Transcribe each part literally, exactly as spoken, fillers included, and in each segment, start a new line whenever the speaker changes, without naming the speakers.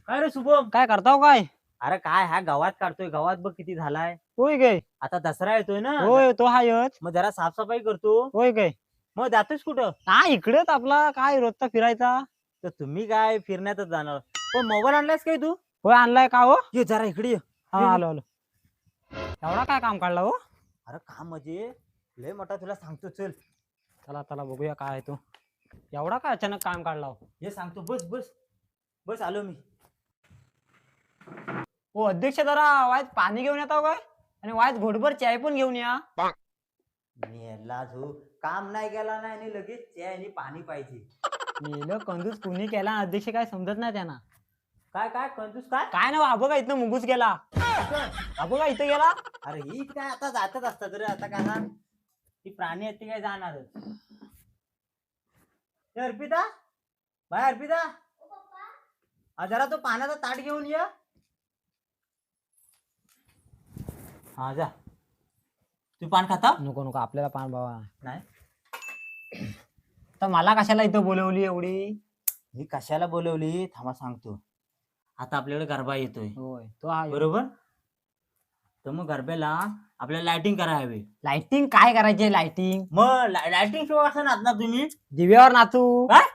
काय रे शुभम?
काय करताव काय?
अरे काय हा गावात काढतोय, गावात बघ किती झालाय.
होय काय?
आता दसरा येतोय ना.
होय तो हायच.
मग जरा साफसफाई करतो.
होय काय?
मग जातोस कुठं?
हा इकडेच आपला काय रोजचा फिरायचा.
तर तुम्ही काय फिरण्यातच जाणार. पण मोबाईल आणलायस काय तू?
होय आणलाय का हो?
ये जरा इकडे ये.
हा
ये, ये.
आलो आलो. एवढा काय काम काढला हो?
अरे काम म्हणजे लय मोठा, तुला सांगतो चल.
चला चला बघूया काय आहे तो. एवढा काय अचानक काम काढला हो?
हे सांगतो, बस बस बस आलो मी.
हो अध्यक्ष जरा वायच पाणी घेऊन येतो काय? आणि वायच घोटभर चाय पण घेऊन या.
मेला झो काम नाही केला नाही आणि लगेच चाय आणि पाणी पाहिजे.
मेलं कंजूस कुणी केला अध्यक्ष काय समजत नाही त्यांना.
काय काय कंजूस काय?
काय ना अबो का इथनं मुंगूस गेला. अबो का इथं गेला?
अरे ही काय आता जातच असतात रे. आता काय ना ती प्राणी आहेत ती काय जाणारच. ए, अर्पिता बाय अर्पिता, हा, जरा तो पाण्याचा ताट घेऊन ये. हा जा. तू पान खाता?
नको नको आपल्याला पान बाबा
नाही.
तर मला कशाला इथं बोलवली एवढी?
मी कशाला बोलवली थांबा सांगतो. आता आपल्याकडे गरबा येतोय
होय तो हा
बरोबर. तर मग गरब्याला आपल्याला लाइटिंग करायला हवी.
लाइटिंग काय करायची? लाइटिंग
मग लाइटिंग शो असं नाचणार तुम्ही?
दिव्यावर नाचू
काय?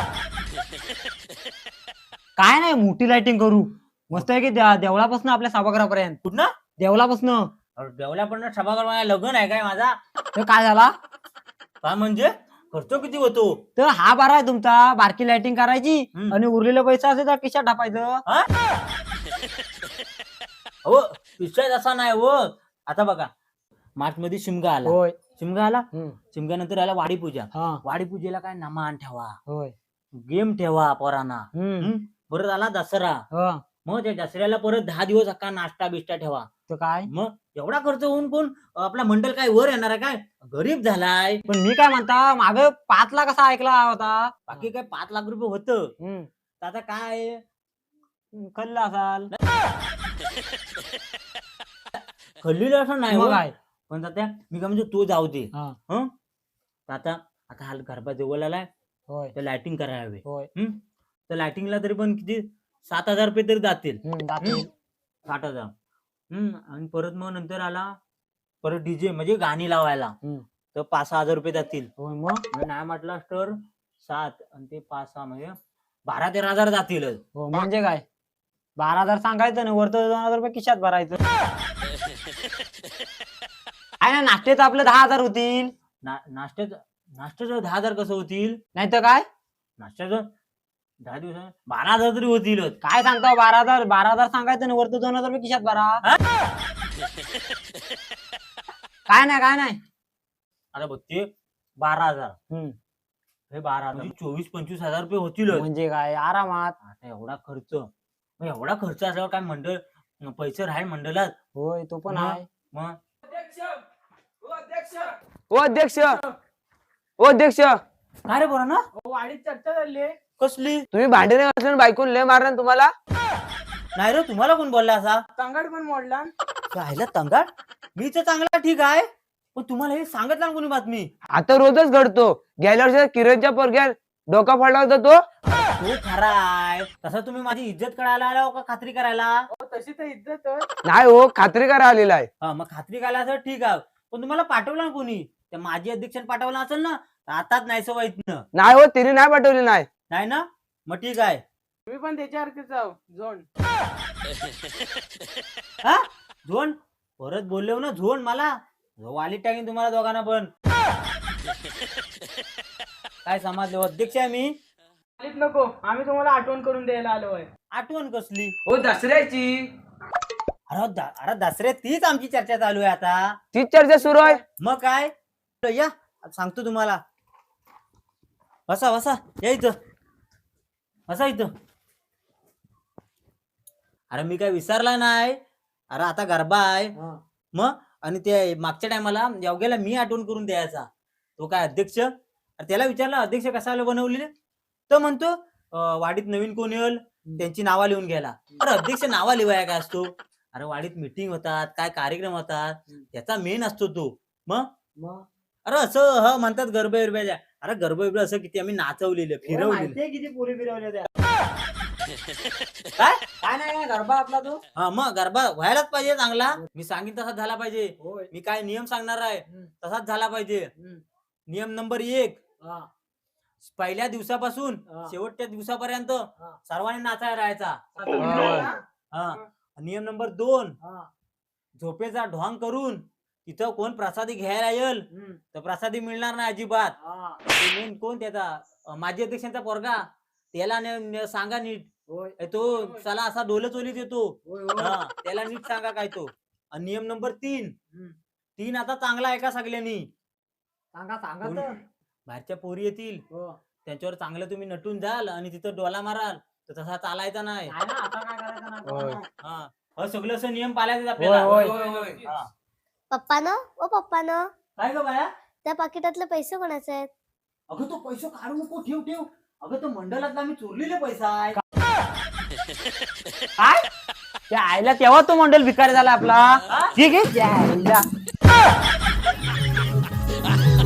काय नाही मोठी लाइटिंग करू. मस्त आहे की देवळापासून आपल्या सभागृहापर्यंत.
कुठं?
देवळापासून.
देवल्यापण सभागृह माझ्या लग्न आहे काय माझा?
तर काय झाला?
काय म्हणजे खर्च किती होतो?
तर हा बारा आहे तुमचा. बारकी लाइटिंग करायची
हम्म.
आणि उरलेला पैसा असेल तर खिशात टाकायचं.
हो विषय असा नाही हो. आता बघा मार्च मध्ये शिमगा आला.
होय
शिमगा आला.
हम्म.
शिमग्यानंतर आला वाडी पूजा.
हा
वाडी पूजेला काय नमान ठेवा,
होय
गेम ठेवा पोरांना.
हम्म
हम्म. परत आला दसरा.
हा
मग त्या दसऱ्याला परत दहा दिवस अख्खा नाश्ता बिष्टा ठेवा.
तर काय?
मग एवढा खर्च होऊन कोण आपला मंडळ काय वर येणार आहे काय? गरीब झालाय.
पण मी काय म्हणता माग पाच लाख असा ऐकला होता.
बाकी काय पाच लाख रुपये होतं.
हम्म
तर आता काय
कल्ला असाल
खल्लीला असं नाही
मग
हो.
काय?
पण आता मी काय म्हणजे तो जाऊ दे.
हा
हं तर आता आता हा गरबा जवळ आलाय
होय
तर लाइटिंग करायला हवे.
होय
हम्म तर लाइटिंगला तरी पण किती सात हजार रुपये तरी जातील.
हम्म जातील.
साठ हजार. हम्म आणि परत मग नंतर आला परत डीजे म्हणजे गाणी लावायला.
हम्म.
तर पाच सहा हजार रुपये जातील.
होय मग
म्हणजे नाही म्हटलं तर सात आणि ते पाच सहा म्हणजे बारा तेरा हजार जातील.
हो म्हणजे काय? बारा हजार सांगायचं ना वरतं दोन हजार रुपये खिशात भरायचं. आहे ना नाश्त्याचं आपलं दहा हजार होतील.
नाश्त्याचं नाश्त्याचं दहा हजार कसं होतील?
नाही तर काय?
नाश्त्याचं दहा दिवस बारा हजार तरी होतील.
काय सांगता बारा हजार बारा हजार सांगायचं ना वरतं दोन हजार रुपये खिशात भरा. काय नाही काय नाही.
आता बघ ते बारा हजार
हम्म.
हे बारा हजार म्हणजे चोवीस पंचवीस हजार रुपये होतील.
म्हणजे काय आरामात.
आता एवढा खर्च मग एवढा खर्च असल्यावर काय मंडळ पैसे राहील मंडळात?
होय तो पण
मग?
आहे.
मग
ओ अध्यक्ष ओ अध्यक्ष
काय रे बरं ना
वाढीत चर्चा झाली.
कसली?
तुम्ही भांडे नाही घासून बायकून लय मारणार तुम्हाला.
नाही रे तुम्हाला कोण बोलला असा?
तंगाड पण मोडला.
राहिला तंगाड? मी तर चांगला ठीक आहे पण तुम्हाला हे सांगितलं ना कोणी बातमी?
आता रोजच घडतो. गेल्या वर्षी किरणच्या पोरग्या डोका फाडला होता तो.
तो खरा आहे तसा तुम्ही माझी इज्जत करायला आला हो का खात्री करायला?
तशी तर इज्जत.
नाही हो खात्री करा आलेला आहे.
हा मग खात्री करायला असं ठीक आहे पण तुम्हाला पाठवलं ना कोणी? त्या माझी अध्यक्षाने पाठवलं असेल ना आताच नाही सवय इथनं.
नाही हो तिने नाही पाठवली नाही.
नाही ना मग ठीक आहे.
तुम्ही पण त्याच्यासारखेच जाऊ झोन.
हा झोन परत बोललो ना झोन मला वाली टाकीन तुम्हाला दोघांना पण. काय समजले अध्यक्ष आहे मी.
नको आम्ही तुम्हाला आठवण करून द्यायला आलो आहे.
आठवण कसली?
हो दसऱ्याची
अरे द- अरे दसऱ्यात तीच आमची चर्चा चालू आहे आता.
तीच चर्चा सुरू आहे.
मग काय या सांगतो तुम्हाला. बसा बसा या इथं बसा इथं. अरे मी काय विसरला नाही. अरे आता गरबा आहे मग आणि ते मागच्या टायमाला योग्याला मी आठवण करून द्यायचा. तो काय अध्यक्ष अरे त्याला विचारला अध्यक्ष कशाला बनवलेले तर म्हणतो अं, वाडीत नवीन कोण येईल त्यांची नावा लिहून घ्यायला. अरे अध्यक्ष नावा लिवाया काय असतो? अरे वाडीत मीटिंग होतात काय कार्यक्रम होतात त्याचा मेन असतो तो. मग अरे असं ह म्हणतात गरबा बिरब्याच्या. अरे गरबा बिरबा असं किती आम्ही नाचवलेलं फिरवलेलं
किती पुरी फिरवल्या त्या.
काय
काय नाही गरबा आपला तो
हा मग गरबा व्हायलाच पाहिजे चांगला. मी सांगेन तसाच झाला पाहिजे.
होय
मी काय नियम सांगणार आहे
हम्म.
तसाच झाला पाहिजे.
हम्म.
नियम नंबर एक,
हा.
पहिल्या दिवसापासून
हा.
शेवटच्या दिवसापर्यंत
हा.
सर्वांनी नाचायला राहायचा.
होय.
हा. नियम नंबर दोन,
हा.
झोपेचा ढोंग करून तिथं कोण प्रसादी घ्यायला येईल
हम्म.
तर प्रसादी मिळणार नाही अजिबात.
हा.
ते मेन कोण त्याचा अं, माजी अध्यक्षांचा पोरगा त्याला ने- ने- सांगा नीट.
होय
ए, तो चला असा डोलं चोलीत येतो.
होय होय.
हा, त्याला नीट सांगा काय तो. आणि नियम नंबर तीन,
हम्म.
तीन आता चांगला आहे का सगळ्यांनी.
सांगा सांगा
कोण-
तर.
बाहेरच्या पोरी येतील
हो.
त्यांच्यावर चांगलं तुम्ही नटून जाल आणि तिथं डोला माराल तर तसा चालायचा नाही.
नाही ना, आता काय करायचं ना.
होय.
हा अहो, सगळं असं नियम पाळायचे आपल्याला.
होय, होय.
हा.
पप्पानं ओ पप्पानं
काय ग बाया.
त्या पाकिटातले पैसे कोणाचे आहेत?
अगं तो पैसा काढू नको, ठेव ठेव. अगं तो मंडळातला आम्ही चोरलेले पैसा आहे.
काय त्या आईला तेव्हा तो मंडल भिकारी झाला आपला. ठीक आहे त्या आईला